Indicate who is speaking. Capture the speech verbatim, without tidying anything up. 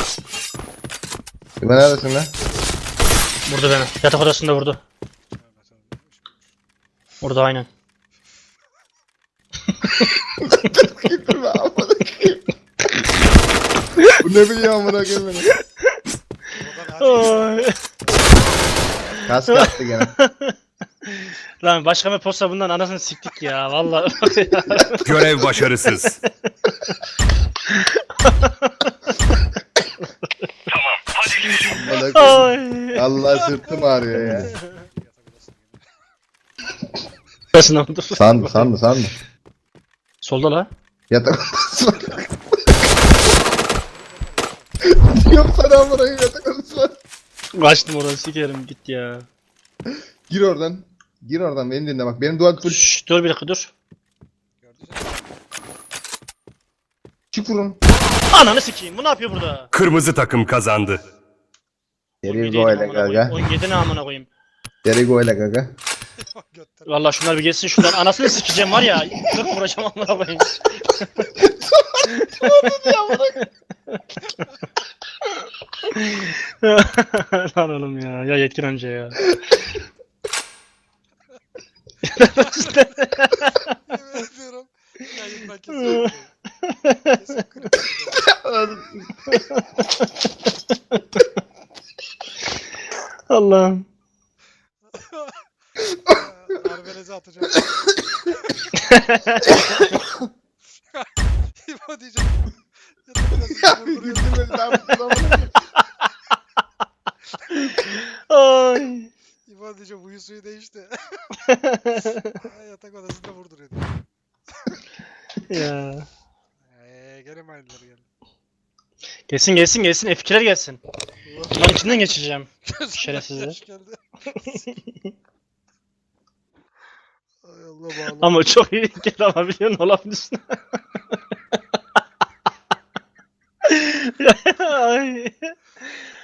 Speaker 1: İbo neredesin lan?
Speaker 2: Vurdu beni. Yatak odasında vurdu. Vurdu aynen.
Speaker 1: Gitme amına koyayım. Bu ne biliyor amına koyayım beni.
Speaker 2: Oy.
Speaker 1: Kask attı gene.
Speaker 2: Lan başka bir posta bundan anasını siktik ya vallahi.
Speaker 3: Görev başarısız.
Speaker 1: Amına koyayım.
Speaker 2: Ay.
Speaker 1: Allah sırtım ağrıyor ya.
Speaker 2: Nasıl oldu?
Speaker 1: Sandı sandı sandı.
Speaker 2: Solda la.
Speaker 1: Yatak odası var. Yok sana amına koyayım yatak odası var.
Speaker 2: Kaçtım oradan sikerim git ya.
Speaker 1: Gir oradan. Gir oradan beni dinle bak. Benim duvar full.
Speaker 2: Şşş, dur bir dakika dur.
Speaker 1: Çık vurun.
Speaker 2: Ananı sikeyim bu ne yapıyor burada?
Speaker 3: Kırmızı takım kazandı.
Speaker 1: Deri
Speaker 2: on
Speaker 1: go
Speaker 2: yedi
Speaker 1: ile
Speaker 2: amına koyayım,
Speaker 1: gaga.
Speaker 2: on yedi ne amına koyayım.
Speaker 1: Deri go ile gaga.
Speaker 2: Vallahi şunlar bir geçsin şunlar anasını sikeceğim var ya. kırk vuracağım amına koyayım. Lan oğlum ya. Ya yetkin amca ya.
Speaker 4: Yemin ediyorum. Yayından kesin. Kesin kritik.
Speaker 2: Allah'ım.
Speaker 4: Arbelezi atacağım. İbo diyeceğim.
Speaker 1: Ya bir güldüm beni daha mutlu amına.
Speaker 2: Ay.
Speaker 4: İbo diyeceğim huyu suyu değişti. Yatak odasında vurduruyordu.
Speaker 2: Ya.
Speaker 4: Eee gene mi aynıları geldi?
Speaker 2: Gelsin gelsin gelsin F iki'ler gelsin. Bunların içinden geçeceğim. Şerefsizler.
Speaker 4: Yaş geldi. Ay Allah bağlı.
Speaker 2: Ama çok iyi gel ama biliyorsun olabilirsin. Ay.